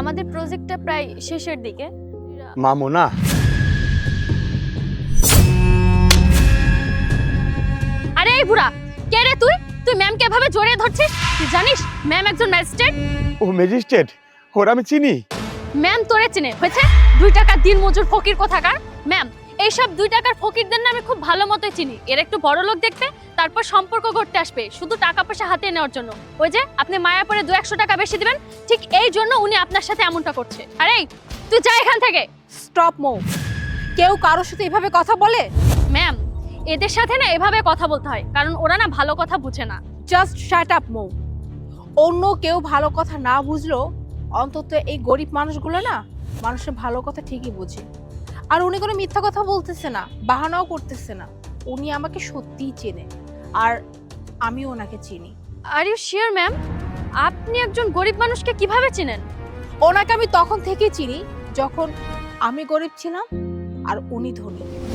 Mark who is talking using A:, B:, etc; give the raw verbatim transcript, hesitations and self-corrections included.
A: আমাদের প্রজেক্টটা প্রায় শেষের দিকে।
B: মামুনা,
A: আরে এই বুড়া, কে রে তুই? তুই ম্যামকে এভাবে জড়িয়ে ধরছিস? তুই জানিস ম্যাম একজন ম্যাজিস্ট্রেট।
B: ও ম্যাজিস্ট্রেট, ওর আমি চিনি।
A: ম্যাম তোরে চিনে হয়েছে? দুই টাকার দিন মজুর ফকির কোথাকার। ম্যাম এইসব দুই টাকার ফকিরদের না আমি খুব ভালো মতোই চিনি। এর একটু বড় লোক দেখতে, তারপর সম্পর্ক করতে আসবে শুধু টাকা পয়সা হাতে নেওয়ার জন্য। ওই যে আপনি মায়া পরে দু একশো টাকা বেশি দিবেন, ঠিক এই জন্য উনি আপনার সাথে এমনটা করছে। আরে তুই যা এখান থেকে।
C: স্টপ মো। কেউ কারোর সাথে এভাবে কথা বলে?
A: ম্যাম এদের সাথে না এভাবে কথা বলতে হয়, কারণ ওরা না ভালো কথা বুঝে না।
C: জাস্ট শাট আপ মো। অন্য কেউ ভালো কথা না বুঝলো অন্তত এই গরিব মানুষগুলো না মানুষের ভালো কথা ঠিকই বুঝে। আর উনি কোনো মিথ্যা কথা বলতেছে না, বাহানাও করতেছে না। উনি আমাকে সত্যিই চেনে, আর আমি ওনাকে চিনি।
A: Are you sure ma'am? আপনি একজন গরিব মানুষকে কিভাবে চেনেন?
C: ওনাকে আমি তখন থেকেই চিনি যখন আমি গরিব ছিলাম আর উনি ধনী।